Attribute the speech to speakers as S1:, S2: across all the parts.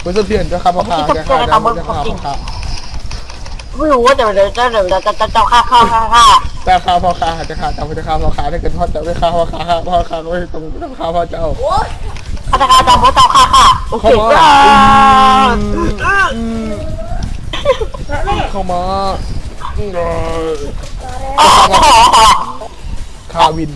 S1: คุณสะเทือนจะฆ่าพ่อค้าจะฆ่าพ่อค้า
S2: ไม่รู้ว่าจะฆ่า
S1: แต่ฆ่าพ่อค้าจะฆ่าเจ้าจะฆ่าพ่อค้าถ้าเกิดพ่อเจ้าไม่ฆ่าพ่อค้าพ่อค้าก็ไม่ต้องฆ่าพ่อเจ้า
S2: ฆาตกรรมเพราะเจ้าฆ่าโอเค
S1: เข้ามาคาวิน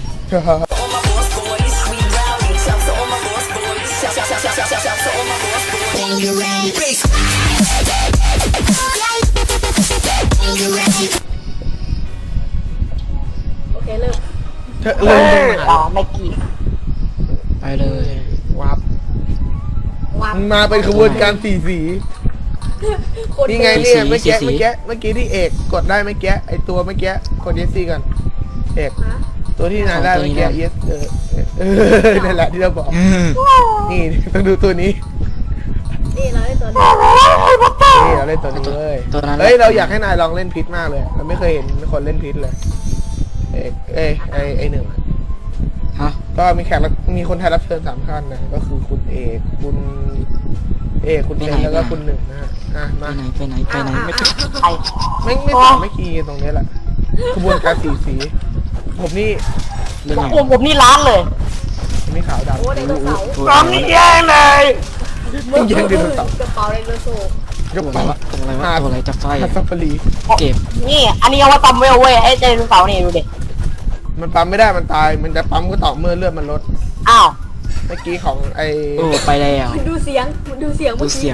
S3: โอเคเริ่ม
S2: ไม่กี่
S4: ไปเลย
S1: วับ
S3: วาง
S1: มาเป็นขบวนการสีนี่ไงเนี่ยเมื่อกี้ที่เอกกดได้เมื่อกี้ไอตัวเมื่อกี้กดเยสซี่ก่อนเอกตัวที่นายได้เมื่อกี้เยสนั่นแหละที่เราบอกนี่ต้องดูตัวนี้
S3: นี่เราได้ตัวนี้
S1: นี่เราเล่นตัวนี้เลย
S4: ตัวนั้น
S1: เฮ้ยเราอยากให้นายลองเล่นพิษมากเลยเราไม่เคยเห็นคนเล่นพิษเลยไอหนึ่ง
S4: ฮะ
S1: ก็มีแขกมีคนไทยรับเชิญ3 ท่านนะก็คือคุณเอกคุณเอกแล้วก็คุณหนึ่งนะฮะมา
S4: ไปไหนไม่
S2: ไอ้
S1: ไม่คีย์ตรงนี้แหละขบวนการสีผมนี่
S4: เรื่องไง
S2: ผมนี่ล้านเลย
S1: ผมนี่ขาวดำ
S3: โอ้ไดโนเสาร์
S2: พร้อมนี่แย่เลย
S1: ต้องแย่งไดโนเสาร์
S3: กระเป๋าไดโนเสาร์
S1: ยก
S4: ตัว
S1: ไป
S4: อะไรจะไฟ
S1: ซัฟฟารี
S4: เก็บ
S2: นี่อันนี้เอาไว้ปั๊มเวลเว้ยไอ้ไดโนเสาร์นี่ดูดิ
S1: มันปั๊มไม่ได้มันตายมันจะปั๊มก็ต่อเมื่อเลือดมันลด
S2: อ้าว
S1: เมื่อกี้ของไอ
S4: โอ้ไปแล้ว
S3: มันดูเสียงเมื่อกี้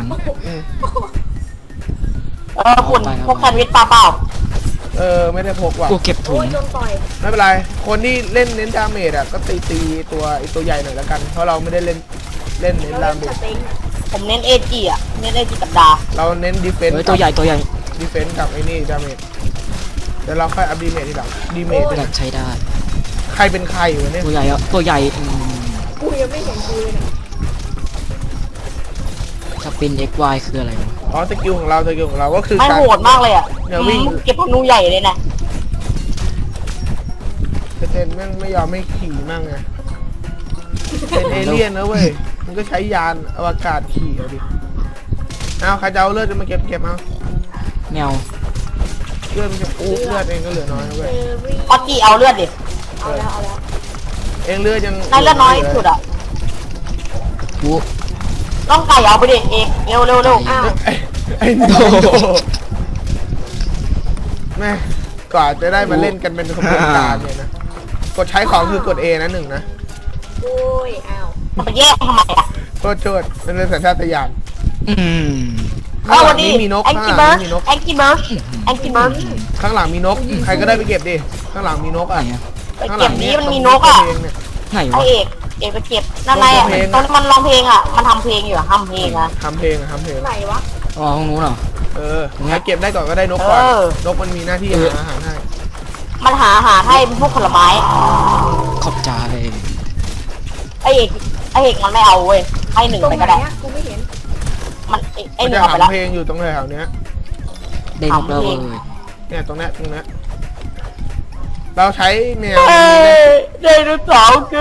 S2: คุณพวกแซนด์วิชปลาเปล่า
S1: ไม่ได้พกว่ะ
S4: กูเก็บถุ
S3: โอ้
S4: ง
S3: ยโดนต่อย
S1: ไม่เป็นไรคนที่เล่นเน้นดาเมจอ่ะก็ตีตัวใหญ่หน่อยแล้วกันเพราะเราไม่ได้เล่นเน้น
S3: เรา
S1: ดา
S3: เล่น
S1: เม
S3: ส
S1: จ
S3: เต็ง
S2: ผมเน้นเอจีอ่ะเน้นเอจีกับดา
S1: เราเน้นดีเฟน
S4: เฮ้ย
S1: ส์
S4: ตัวใหญ่
S1: ดีเฟนส์กับไอ้นี่ดาเมจเดี๋ยวเราค่อยอัพดีเมจทีหลังดีเมจ
S4: อยากใช้ได้
S1: ใครเป็นใครวะเนี่ย
S4: ตัวใหญ่อะตัวใหญ่
S3: กูยังไม่เห็นกูเลยเนี่ย
S4: สปิน XY คืออะไรวะ
S1: อ๋อสกิลของเราก็คือ
S2: ไม่
S1: การ
S2: โหดมากเลยอ่ะ
S1: เนี่ยวิ่ง
S2: เก็บธนูใหญ่เลยนะ
S1: เจนแม่งไม่ยอมไม่ขี่มั่งไงเป็นเอเลี่ยนนะเว้ยมันก็ใช้ยานอวกาศขี่เอาดิเอาใครจะเอาเลือดมาเก็บเอา
S4: แมว
S1: เลือดมันจะเลือดเองก็เหลือน้อยนะ
S3: เฟ
S1: เว้ย
S3: รี่
S2: พอจีเอาเลือดดิ
S3: เอาแล้ว
S1: เองเลือดยัง
S2: นายเลือดน้อยสุดอ่ะ
S4: กู
S2: ต้องไก่เอาไปดิเอกเร็ว
S3: อ้าว
S1: ไอ้โดแม่กว่าจะได้มาเล่นกันเป็นขบวนการเนี่ยนะกดใช้ของคือกด A นะ1นะ
S3: โอ้ยอ้าว
S2: มันไปแยกทำไมอ่ะ
S1: โทษมันเป็นสัญชาตญาณ
S4: อืม
S2: วันนี้
S1: มีนก
S2: แองกี้เบิร์ดแองกี้เบิร์ดแองกี้เบิร์ด
S1: ข้างหลังมีนกใครก็ได้ไปเก็บดิข้างหลังมีนก
S4: ไหน
S1: อ่ะ
S4: อะ
S2: ไปเก็บนี้มันมีนกอ่ะ
S4: ไหน
S2: ไอ
S4: วะ
S2: เอกไปเก็บนั่นไงอ่ะตอนมันร้องเพลงอ่ะมันทำเพลงอยู่อ่ะทำเพลงอ่ะ
S1: ทำเพลง
S3: ไหนวะ
S4: อ๋อห้องนู้นเหรอ
S1: ใครเก็บได้ก่อนก็ได้นกก่อนนกมันมีหน้าที่หาอาหารให้
S2: มันหาอาหารให้พวกผลไม้
S4: ขอบใจ
S2: ไอเอกมันไม่เอาเว้ยให้หนึ่ง
S3: ตรง
S2: ไป
S3: ไหน
S2: ก็ได้
S3: อะกูไม่เห็น
S2: มันไอ
S1: มัน
S2: หนึ่
S1: จะ
S2: งเอาไป
S1: หา
S2: แล้ว
S1: เพลงอยู่ตรงแถวๆเนี้ย
S4: ได้นกแล้วเว้ย
S1: เนี่ยตรงเนี้ยเราใช้แมว
S2: ไดโนเสาร์คือ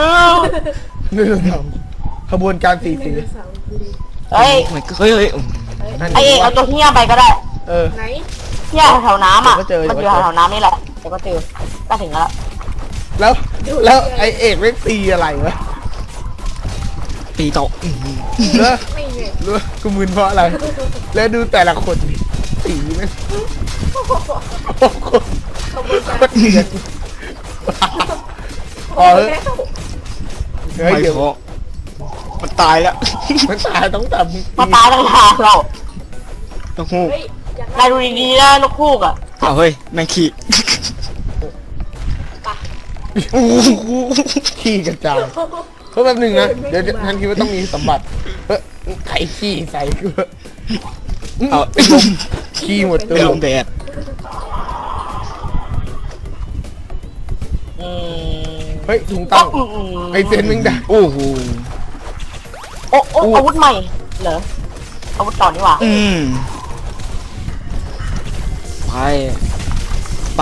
S1: ขบวนการสี
S3: ไดโนเสาร์กูดิ
S2: เฮ้ย
S4: เหมือนเฮ้ย
S2: ไอเอกเอาตัวเหี้ยไปก็ได้
S3: ไหน
S2: เหี้ยแถวน้ำอ่ะมันอยู่แถวน้ำนี่แหละเดี๋ยวก็เจอก็ถึงแล้ว
S1: แล้วไอเอกไม่ตีอะไรวะ
S4: ตีโตะ
S1: เลิก
S3: ไม่เห็น
S1: รู้กูมึนเพราะอะไร แล้วดูแต่ละคนดิสีมันโอ้โห
S3: ขบวนการ
S1: โคตรเดือดพอ
S3: แล้
S1: เฮ้
S3: วย
S1: เดี๋ยว
S4: มันตายแล้ว
S1: มันตายต้องแต่มึง
S2: มาตายตั้งทางเรา
S4: ต้องหู
S3: เฮ้ยอยาก
S2: นายดูดีๆนะนกคูกอ่ะ
S4: อ้าวเฮ้ยแมงขี่
S1: ขี้กระจายเพราะแบบหนึ่งนะเดี๋ยวท่านคิดว่าต้องมีสมบัติไข่ขี้ใส่กู
S4: เอา
S1: ขี้หมดตั
S4: เป็น
S1: ว
S4: ลมแดด
S1: เฮ้ยถุงตั้งไอเซนมึงด่า
S4: โอ้โห
S2: โอ้อาวุธใหม่เหรออาวุธต่อนี่หว่า
S4: ไป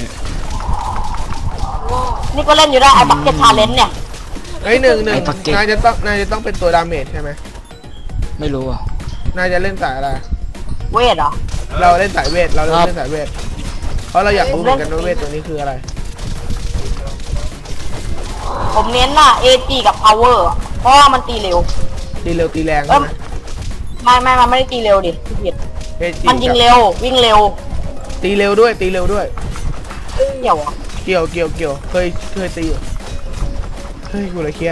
S2: นี่ก็เล่นอยู่ได้ไอ้บักเก็ตชาเลนจ์เนี่ย
S1: เฮ้ยหนึ่งนายจะต้องเป็นตัวดาเมจใช่ไหม
S4: ไม่รู้อ่ะ
S1: นายจะเล่นสายอะไร
S2: เวทเหรอ
S1: เราเล่นสายเวทเราเล่นสายเวทเพราะเราอยากรู้เหมือนกันว่าเวทตัวนี้คืออะไร
S2: ผมเน้นน่ะ AG กับ Power อะเพราะว่ามันตีเร็ว
S1: ตีเร็วตีแรงใช่ไหม
S2: ไม่มันไม่ได้ตีเร็วดิพี่ผิด
S1: เอจี
S2: มันยิงเร็ววิ่งเร็ว
S1: ตีเร็วด้วยตีเร็วด้วย
S2: เกี่ยวเหรอ
S1: เกี่ยวเคยตีอยู่เฮ้ยกูเลยเครียด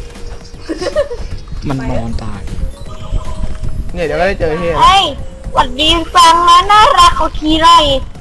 S4: มันนอนตาย
S1: เนี่ยเดี๋ยวก็ได้เจอเฮีย
S2: เฮ้ยหวัดดีฟังนะน่ารักเขาขี่ไล่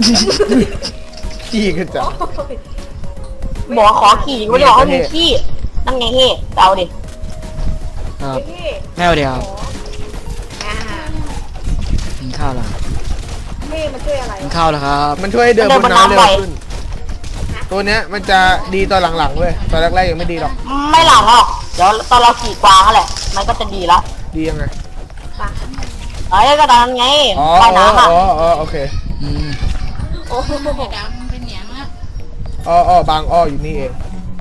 S1: ขี้กันจัง
S3: โอ้ย
S2: บอกว่าขอขี่ไม่ได้บอกว่ามีขี้นั่นไงเฮ้เอาดิ
S4: ครับ
S3: พี่
S4: แม่เดียว
S3: อ่า
S4: กินข้าวแล้ว
S3: พี่มันช่วยอะไร
S4: กินข้าวแล้วครับ
S1: มันช่วยให้เดินบนน้ำเร็วขึ้นตัวเนี้ยมันจะดีตอนหลังๆเว้ยตอนแรกๆยังไม่ดีหรอก
S2: ไม่หลังหรอกเดี๋ยวตอนเราขี่กวางนั่นแหละมันก็จะดีแล้ว
S1: ดียังไง
S3: ปะ
S2: เอ้ยก็ตอนนั้นไง
S1: อ๋อ
S2: ว่ายน้ำอ่ะ
S1: โอเค
S4: อืม
S3: โอ้โห
S1: บางอ้ออยู่นี่เอง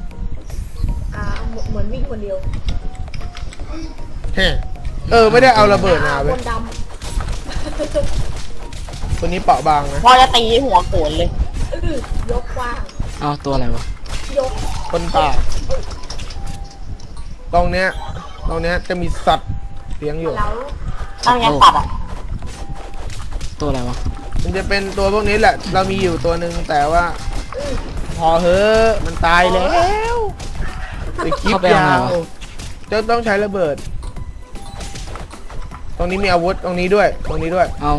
S3: เหมือนวิ่งคนเดียว
S1: เฮ้ไม่ได้เอาระเบิดมาเว้
S3: ค
S1: ย
S3: นด
S1: ตัวนี้เปราะบางนะ
S2: พอจะตีหัวโขนเลย
S3: ำยกกว้าง
S4: เอาตัวอะไรวะ
S3: ยก
S1: คนป่าตรงเนี้ยจะมีสัตว์เลี้ยงอยู่
S3: แล้ว
S2: นั่นไงสัตว์อ่ะ
S4: ตัวอะไรวะ
S1: มันจะเป็นตัวพวกนี้แหละ เรามีอยู่ตัวหนึ่งแต่ว่า พอเฮ้อะมันตายแล้วไปคลิปยาวจะต้องใช้ระเบิด ตรงนี้มีอาวุธตรงนี้ด้วย
S4: เอา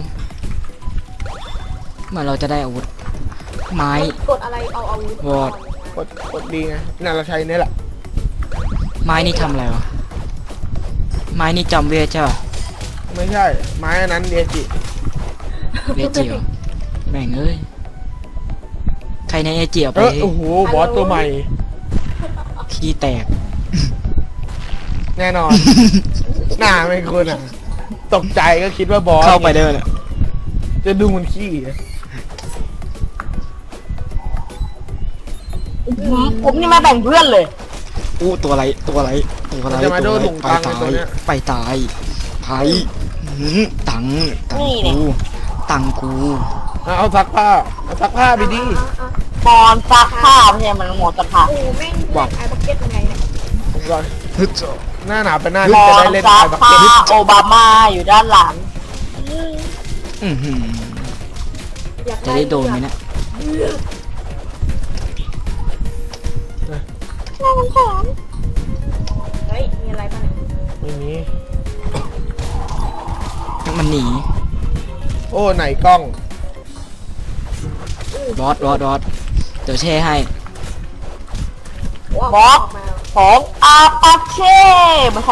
S4: เมื่อเราจะได้อาวุธไม้
S3: กดอะไรเอาอาวุธ
S4: วอด
S1: กดดีไงน่าเราใช้เนี่ยแหละ
S4: ไม้นี่ทำอะไรวะไม้นี่จำเวทใช่ป่ะ
S1: ไม่ใช่ไม้อันนั้นเดียจิ
S4: เวทจิ๋วแม่งเอ้ยใครในเอจิเอาไป
S1: โอ้โหบอสตัวใหม่
S4: ขี้แตก
S1: แน่นอน หน้าไม่คุณอ่ะ ตกใจก็คิดว่าบอส
S4: เข้าไปได้เลย
S1: จะดูมันขี้อะ
S2: ผมนี่ไม่แบ่งเพื่อนเลย
S4: อู้ตัวอะไร
S1: จะมาโดนหลง
S4: ไป
S1: ตังใน
S4: ตา
S1: ตัวย เนี้ย
S4: ไปตายไผ่ตังกู
S1: เอาซักผ้าไปดิ
S2: บอลซักผ้าไม่ใช่มันหมดสภาพ
S3: โอ้แม่งแบกไอ้บักเก็ตยังไงเนี่ย
S1: ผมก่อน
S4: ฮึดเจาะ
S1: หน้าหนาวเป็นหน้า
S2: บ
S1: ที่
S2: อ
S1: จะ
S2: ล
S1: ได้เล่น
S2: ซั
S1: ไอ้
S2: ก
S1: บัก
S2: ผ้า
S1: เก็ต
S2: โอบามาอยู่ด้านหลัง
S4: อื้อหือ
S3: อยาก
S4: จะได้โดนไหมเนี่ย
S3: เฮ้ยมีอะไรบ้างเนี่ย
S1: ไม่มี
S4: มันหนี
S1: โอ้ไหนกล้อง
S4: บอสเดี๋ยวแช่ให้
S3: ว้าว
S2: บอส
S3: ออกมา
S2: ของอาปาเช่ไม่ใช่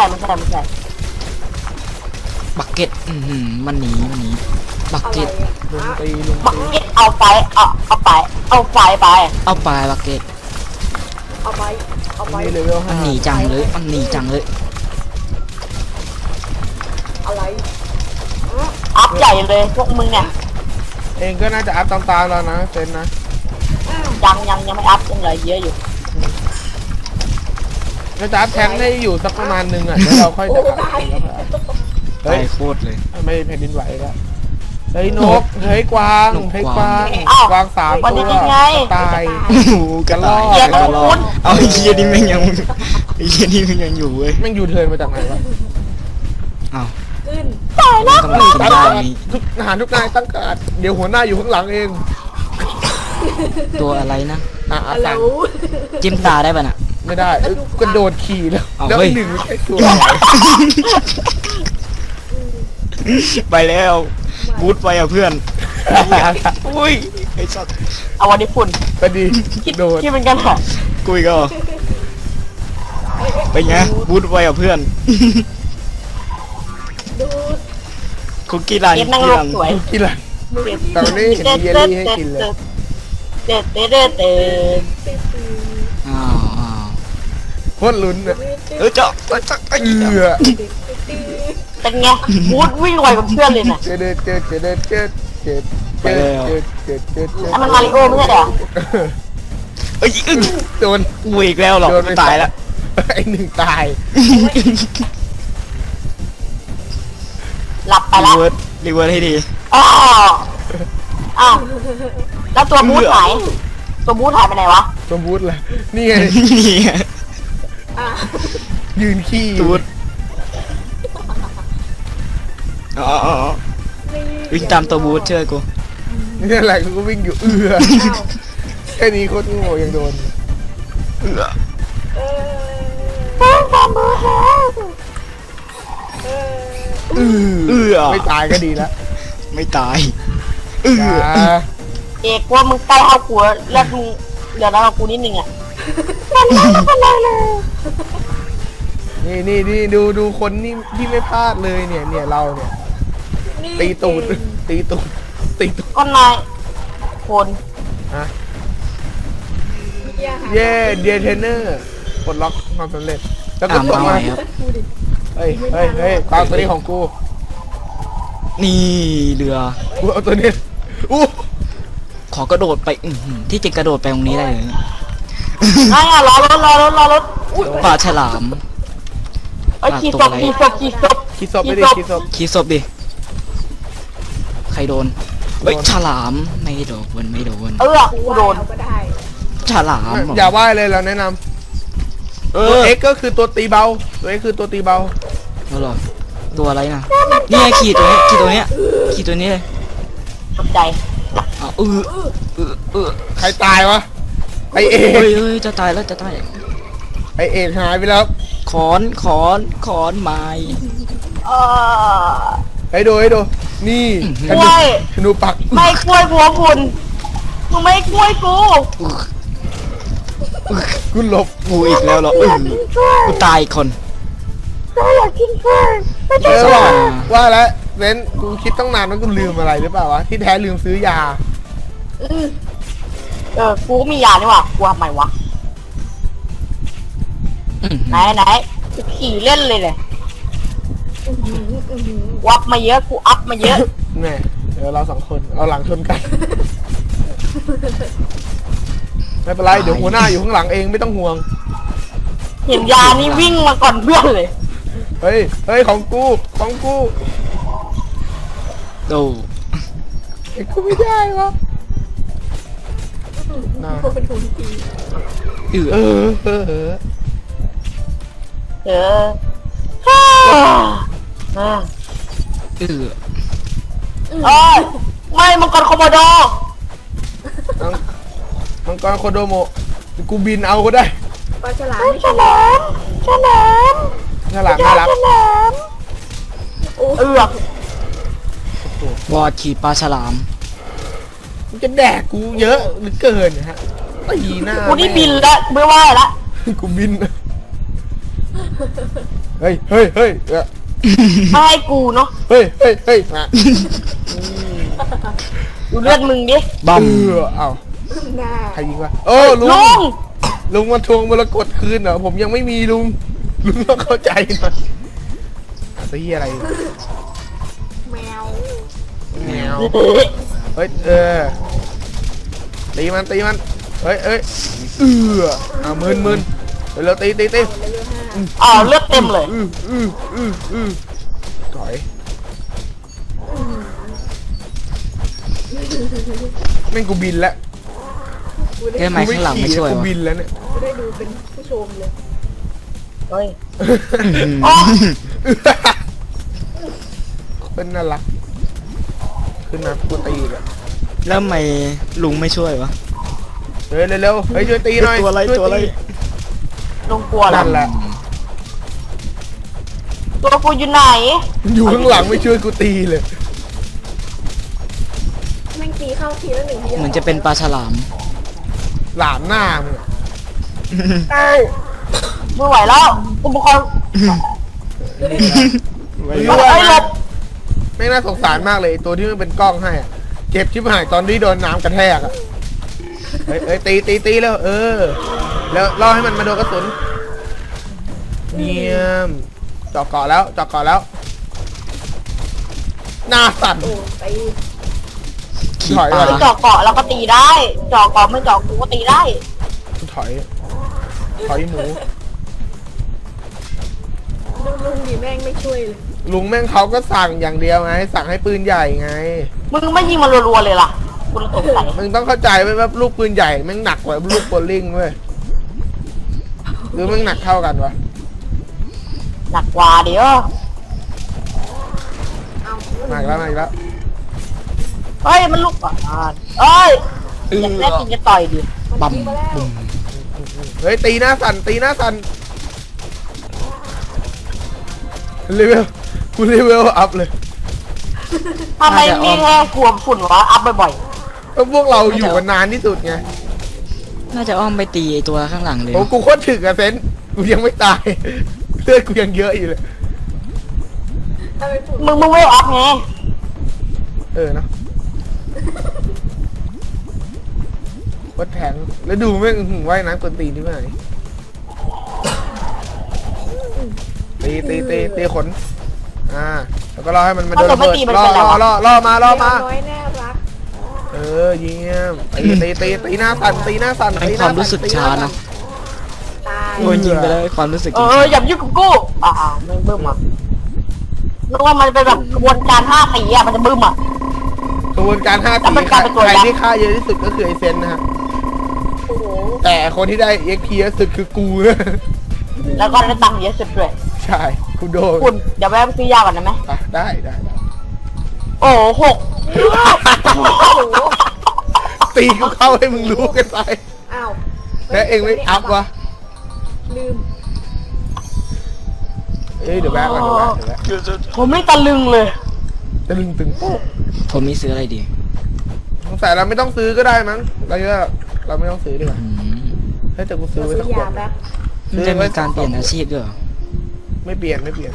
S4: บักเก็ตมันหนีบัก
S3: อะไร
S4: เก็ต
S3: อะ
S1: ลุง
S3: อ่ะ
S1: ตีลุง
S2: บัก
S1: ตี
S2: เก็ตเอาไฟไป
S4: เอาไปบักเก็ต
S3: เอาไป
S1: นี่เลเวล
S4: มั
S1: ห้าน
S4: หนีจังเลย
S3: อะไร
S2: อัพใหญ่เลยพวกมึงเนี่ย
S1: เองก็น่าจะอัพตามๆเรานะเซนนะ
S2: ยังไม่อัพยังเหลือเยอะอยู่
S1: น่าจะอัพแทงค์ให้อยู่สักประมาณนึงอ่ะแล้วเราค่อยจะอัพ
S3: โอ้ตาย
S1: เฮ้ย
S4: ตายโคตรเลย
S1: ไม่แผ่นดินไหวแล้วเฮ้ยนกเฮ้ยกวาง
S4: นก
S1: เฮ้ย
S4: ก
S1: ก
S4: วาว
S1: าง
S4: ง
S1: กวางสาม
S2: วัน
S1: ตั
S2: นี้
S1: ว
S2: ยังไง
S1: ตาย
S4: โอ้โหกระรอก
S2: เกียร์
S4: กระรอ
S2: คุ
S4: ก
S2: ณ
S4: เอาไอ้เหี้ยนี่แม่งยังไอ้เหี้ยนี่มันยังอยู่เว้ย
S1: แม่งยูเทิร์นมาจากไหนวะ
S4: อ้าว
S3: ขึ้น
S4: มันก็มาขึ้น
S1: ตั้ง
S4: ได้
S1: การ
S4: นี่
S1: ทุกทหารทุกนายตั้งการเดี๋ยวหัวหน้าอยู่ข้างหลังเอง
S4: ตัวอะไรนะ
S3: ฮัลโหล
S1: สั่ง
S4: จิ้มตาได้ป่ะน่ะ
S1: ไม่ได้กระโดดขี่แล้ว
S4: เอา
S1: แล้ว
S4: เฮ้ย
S1: หนึ่งไม่ใช่ตัว
S4: ไปแล้วบูทไปอ่ะเพื่อนอุ้ยไอ้สัตว์
S2: เอาวันนี้ฝุ่น
S1: ไปดีโดด
S2: คิดเป็นกันเหรอ
S4: กุยก็ไปไงบูทไปอ่ะเพื่อน
S3: ดู
S4: คุกกี้รัน
S2: เก็บนั่งโลกสวย
S1: กินอะไรตอนนี้เห็นมีเยลลี่ให้กินเลย
S2: เด็ด
S3: ตื้อตื้อ
S4: อ้าว
S1: โคตรลุ้นอ่ะ
S4: เจาะไอ้
S1: เอื
S4: เหี้ย
S1: อ
S2: เป็นไงบูธวิ่งไวกว่าเพื่อนเลยน่ะ
S1: เจอ
S2: อันมันมาริโอไม่ใช่เหรอ
S4: เอ้ย
S1: โดน
S4: กูอีกแล้วหรอก
S1: โดนไป
S4: ตายแล้ว
S1: ไอ้หนึ่งตาย
S2: หลับไป
S4: รี
S2: แล้ว
S4: เวิร์สรีเวิร์สให้ดี
S2: อ้าวอ้าวแล้วตัวบูธหายตัวบูธหายไปไหนวะ
S1: สมบูรณ์เลยนี่ไง
S4: นี่ไง
S3: อ่ะ
S1: ยืนขี้
S4: ตูดอ๋อ
S3: นี่
S4: วิ่งตามตัวบูธเชื่อกู
S1: นี่อะไรกูก็วิ่งอยู่
S3: อ้าว
S1: แค่นี้โคตรโง่ยังโดน
S4: เอือ
S3: เออ
S1: เอ
S4: เอือ
S1: ไม่ตายก็ดีแล้ว
S4: ไม่ตายเอือ
S1: จ้า
S2: เอกว่ามึงใกล้เอากูแล้วมึงเดี๋ยวเรากูนิดนึงอ่ะ
S1: นี่ดูคนนี่ที่ไม่พลาดเลยเนี่ยเราเนี่ย
S3: นี่
S1: ตีตูดตีตูดตีตูด
S2: ก็นายคน
S1: ฮะ
S3: มีอาหาร
S1: เย่เดียเทรนเนอร์ปลดล็อกความสำเร็จแล้วก็
S4: อ่ะ
S1: ตก
S4: มา
S1: มา
S4: ใหม่ครับ
S3: ดูดิ
S1: เฮ้ยตามตัวนี้ของกู
S4: นี่เรือ
S1: กูเอาตัวนี้อู้
S4: ขอกระโดดไปอื้อหือที่จะกระโดดไปตรงนี้ได้เลย
S2: นายอ่ะรอรถอุ้ย
S4: ปลาฉลาม
S2: ไอ้ยขี่ศพ
S1: คิดศพไม่ได้คิดศพ
S4: ขี้ศพดิ ใครโดน เฮ้ย ฉลาม ไม่โดน ไม่โดน
S2: กู
S3: กู
S2: โดน
S3: เอาก็ได้
S4: ฉลามเหร
S1: อย่าว่ายเลยเราแนะนำตัว X ก็คือตัวตีเบาตัว X คือตัวตีเบา
S4: เอาเหรอตัวอะไรนะนี่ไงขีดตัวนี้ขีดตัวเนี้ยขีดตัวนี้เลย
S2: ตกใจ
S4: อ้าว
S1: ใครตายวะไอเอ
S4: เฮ้
S1: ก
S4: ยจะตายแล้วจะตาย
S1: ไอเอกหายไปแล้ว
S4: ขอนไม้
S2: เออ
S1: ให้ดูนี่
S2: กล้วย
S1: ธนูปัก
S2: ไม่กล้วยหัวคุณมึงไม่กล้วยกู
S1: กูหลบ
S4: กูอีกแล้วเหรอกูตายอีกคน
S2: อยากกินกล้วยไม่
S1: เอ
S2: ใช่
S1: อว่าแล้วเว้นกูคิดตั้งนานว่ากูลืมอะไรหรือเปล่าวะที่แท้ลืมซื้อยา
S2: กูก็มียานี่หว่ากูทำไมวะ ไหนกูขี่เล่นเลยวับมาเยอะกูอัพมาเยอะ
S1: แม่เดี๋ยวเราสองคนเอาหลังชนกัน ไม่เป็นไรเดี๋ยวหัวหน้าอยู่ข้างหลังเองไม่ต้องห่วง
S2: เห็นยานี่วิ่งมาก่อนเพื่อนเลย
S1: เฮ้ยของกู
S4: โด
S1: ไอ้กูไม่ได้วะน่า
S3: กูเป็นคนตี
S4: เอือ
S1: เออ
S2: เออเออ
S4: เอือ
S2: เอ้ยไม่มังกรโคโมโด
S1: มังกรโคโดโมะกูบินเอาก็ได้
S3: ปลาฉลามไม่
S2: ฉ
S3: ฉลา
S2: ลามฉลาม
S1: ฉลามน่ารัก
S2: ฉลาม
S3: โอ้
S2: เอือก
S4: วอดขีดปลาฉลาม
S1: มันจะแดกกูเยอะหรือเกินฮะตีหน้า
S2: กูนี่บินแล้วไม่ไหวละ
S1: กูบินเฮ้ยเออ
S2: ไม่ให้กูเนาะ
S1: เฮ้ยมา
S2: ดูเลือดมึงดิ
S4: บัม
S1: เอ้า
S3: หน้า
S1: ใครยิงวะโอ้ลุ
S2: ลุ
S1: ง
S2: ง
S1: ลุงมาทวงมรกตคืนเหรอผมยังไม่มีลุงต้องเข้าใจหน่อยตีอะไร
S3: แมว
S1: แมวเฮ้ยตีมันเฮ้ยเอามึนเดี๋ยวเราตี
S3: เลเวล5
S2: อ๋อเลือดเต็มเลย
S1: ถอยแม่งกูบินแล้ว
S3: กู
S4: แก้ไม้ข้างหลังไม่ช่วย
S1: กู
S4: วะ
S1: บินแล้วเนี่ย
S3: ได้ดูเป็นผู้ชมเลย
S2: เฮ้ย
S1: เป็นน่ารักขึ้นมากูตีอีกอะ
S4: แล้วทำไมลุงไม่ช่วยวะ
S1: เฮ้ยเร็วๆเฮ้ยช่วยตีหน่อย
S4: ตัวอะไร
S1: ช่ย
S4: ตัวอะไร
S2: ลุงกลัวเหรอ
S1: นั่นแหละ
S2: ตัวกูอยู่ไหน
S1: อยู่ข้างหลังไม่ช่วยกูตีเลย
S3: แม่งตีเข้าทีละ1 ที
S4: เหมือนจะเป็นปลาฉลาม
S1: หลามหน้ามึงอะ
S2: ไม่ไหวแล้วอุปกรณ์
S1: ไม่
S2: เอ้
S1: รู้ว่าย
S2: หลบ
S1: ไม่น่าสงสารมากเลยไอ้ตัวที่มันเป็นกล้องให้อะเจ็บชิบหายตอนที่โดนน้ำกระแทกอะเฮ้ยตีแล้วแล้วล่อให้มันมาโดนกระสุนเยี่ยมเจาะเกาะแล้วหน้าสั่น
S3: โอ้ตี
S4: ขีด
S1: ถอย
S4: ป
S1: ก่
S4: ลา
S1: อน
S2: เจาะเกาะเราก็ตีได้เจาะเกาะไม่เจาะกูก็ตีได้
S1: ถอยหมู
S3: ดูลุงดิแม่งไม่ช่วยเลย
S1: ลุงแม่งเขาก็สั่งอย่างเดียวไง สั่งให้ปืนใหญ่ไง
S2: มึงไม่ยิงมันรัวๆเลยล่ะกูเลยสงสัย
S1: มึงต้องเข้าใจไว้ว่าลูกปืนใหญ่แม่งหนักกว่าลูกโบลิ่งเว้ยหรือแม่งหนักเท่ากันวะ
S2: หนักกว่าเดี๋ยว
S3: เอา
S1: มาอีกแล้วมาอีกแล้ว
S2: เฮ้ยมันลุกอ่ะเอ้ยอยากแรกกินจะต่อยดิ
S4: ปั๊ม
S3: ยิงมาแล้ว
S4: บุ้ม
S1: เฮ้ยตีหน้าสั่นตีหน้าสั่นเลเวลกูเลเวลอัพเลย
S2: ทำไมมีแค่กลัวฝุ่นวะอัพบ่อย
S1: เพราะพวกเราอยู่กันนานที่สุดไง
S4: น่าจะอ้อมไปตีไอ้ตัวข้างหลังเลย
S1: โอ้กูโคตรถึกอะเซนกูยังไม่ตายเลือดกูยังเยอะอยู่เลย
S3: ทำไมฝุ่น
S2: ๆมึงไม่อัพไง
S1: เนาะโคตรแทงแล้วดูแม่งว่ายน้ำกวนตีนที่ไหนตีขนแล้วก็รอให้มันมาโดนระเบิดล่อมา
S3: น้อยน่ารัก
S1: เยี่ยมตีหน้าสั่นตีหน้าสั่น
S4: เป็นความรู้สึกช้าเนาะ
S3: ตาย
S4: โดนยิงไปแล้วความรู้สึก
S2: อย่ายุ่งกับกูมึงบึ้มอ่ะนึกว่ามันเป็นแบบกระบวนการ5 สีอ่ะมันจะบึ้มอ่ะ
S1: กระบวนการ5
S2: แล้วมัน
S1: สี
S2: กลายเป็นตัว
S1: ใคร
S2: ยักษ์
S1: ที่ฆ่าเยอะที่สุดก็คือไอเซนนะฮะ
S3: โอ้โห
S1: แต่คนที่ได้ XP เยอะสุดคือกู
S2: แล้วก็ได้ตังค์เยอะสุดด้วย
S1: ใช่กูโดน
S2: คุณเดี๋ยวแวะไปซื้อยาก่อนได้ไหม
S1: ได้
S2: โอ้โห6
S1: ตีกูเข้าให้มึงรู้กันไป
S3: อ้าว
S1: แล้วเองไม่อัพวะ
S3: ลืม
S1: เดี๋ยวแบกก่อนเดี๋ยวแบก
S2: ผมไม่ตะลึงเลย
S1: จะลึงตึงโป๊ะ
S4: ผมมีซื้ออะไรดี
S1: สงสัยเราไม่ต้องซื้อก็ได้มั้งเราไม่ต้องซื้อดีกว่า
S4: อืม
S1: ให้แต่กูซื้อไว้
S3: ซื้
S1: สัก
S3: อ
S1: ขว
S3: ยา
S1: ด
S3: แป๊บ
S4: มันจะมีการเปลี่ยนอาชีพด้วยเหรอ
S1: ไม่เปลี่ยน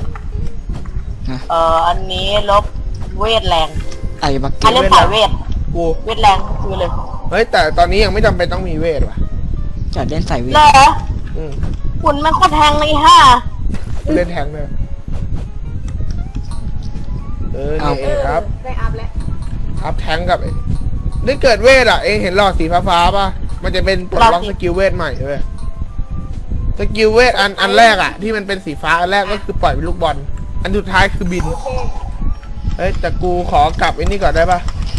S2: อันนี้ลบเวทแรง
S4: ไอ้บัก
S2: ใคร
S4: เก็ต
S2: เล่นสายเวท
S1: กู
S2: เวทแรงคือเลย
S1: เฮ้ยแต่ตอนนี้ยังไม่จำเป็นต้องมีเวทว่ะ
S4: จัดเล่นใส่เวท
S2: เหรอ
S1: อืม
S2: คุณมันโคตรแทงเลยฮะ
S1: กูเล่นแทงเลยนี่ครับ
S3: ได้อัพแล้ว
S1: อัพแทงกับได้เกิดเวทเองเห็นหลอดสีฟ้าๆป่ะมันจะเป็นปลดล็อกสกิลเวทใหม่เลยสกิลเวทอันแรกที่มันเป็นสีฟ้าอันแรกก็คือปล่อยเป็นลูกบอลอันสุดท้ายคือบิน
S3: โอเค
S1: เฮ้ยแต่กูขอกลับไอ้นี่ก่อนได้ปะ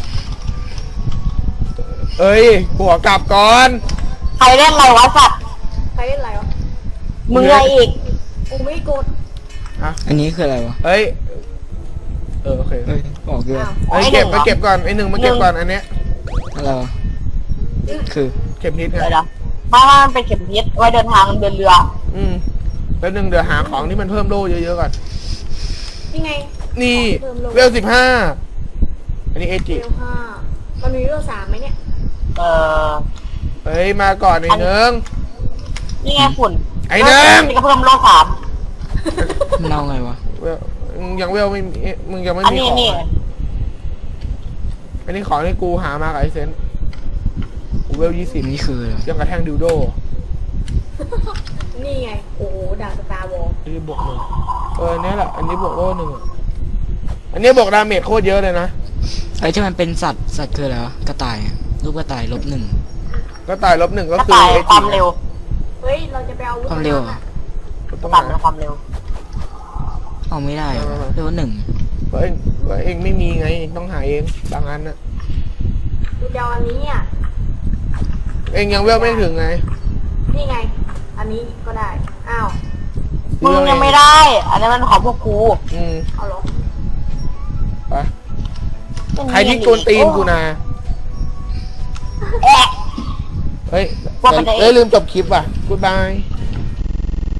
S1: กูขอกลับก่อน
S2: ใครเล่นอะไรวะสัตว์
S3: ใครเล่นอะไรวะ
S2: มึงอะไรอีก
S3: กูไม่กด
S4: อันนี้คืออะไรวะ
S1: เฮ้ยโอเค
S4: เฮ้ยบอกด้วย
S3: อ้าว
S1: เฮ้ยเก็บมาเก็บก่อนไอ้หนึ่งมาเก็บก่อนอันเนี้ย
S4: อะไรวะคือ
S1: เข็มทิศไง
S2: เดี๋ยวนะมันเป็นเข็มทิศไว้เดินทางเดินเรือ
S1: แล้วหนึ่งเดี๋ยวหาของที่มันเพิ่มโล่เยอะๆก่อน
S3: นี่ไง
S1: นี่
S3: เพิ่มโล่
S1: เวล15อันนี้เอจิ
S3: เวล5มันมีเวล3ไหมเนี่ย
S1: เฮ้ยมาก่อนไอ้เนือง
S2: นี่ไงฝุ่น
S1: ไอ้เนิ่ง
S2: นี่ก็เพิ่มโล3
S4: มันเอาไงวะ
S1: เวลมึงยังเวลไม่มีมึงยังไม่
S2: อัน
S1: มี
S2: นี้
S1: ของ
S2: นี่
S1: อันนี้ของที่กูหามากับไอเซนกูเวล
S4: อันนี้คืออะไร
S1: 20ยังกระแทงดิวโด
S3: นี่ไง โอ้โหด่าสตาร์วอล
S1: อันนี้บวก1อันนี้แหละอันนี้บวกโล่1อันนี้บวกดาเมจโคตรเยอะเลยนะ
S4: ไอ้ที่มันเป็นสัตว์คืออะไรวะกระต่ายอะรูปกระต่าย-1
S1: ก็ตาย-1ก็
S2: กระ
S1: คือ
S2: ต่าย
S1: เอ
S2: ค
S1: จิ
S2: วามเร็ว
S3: เฮ้ย เราจะไปเอา
S4: ความเร็วเหรอ
S2: ก
S1: ต้อ
S2: ระ
S1: ง
S2: ต่าย
S1: หา
S2: เป็นความเร็ว
S4: เอาไม่ได้เหรอเรียกว่า1
S1: เองไม่มีไงต้องหาเองบางอันน่ะ
S3: กูจะเอาอันนี้อ่ะ
S1: เองยังเวลไม่ถึงไง
S3: นี่ไง อันนี้ก็ได้ อ้าว
S2: มึงยังไม่ได้ อันนี้มันของพวกกู
S3: เอาเหรอ
S1: ไปใครที่กวนตีนกูนะ
S2: แอะ
S1: เฮ้ย
S2: ว่ามันจะ
S1: ลืมจบคลิปว่ะ กูบาย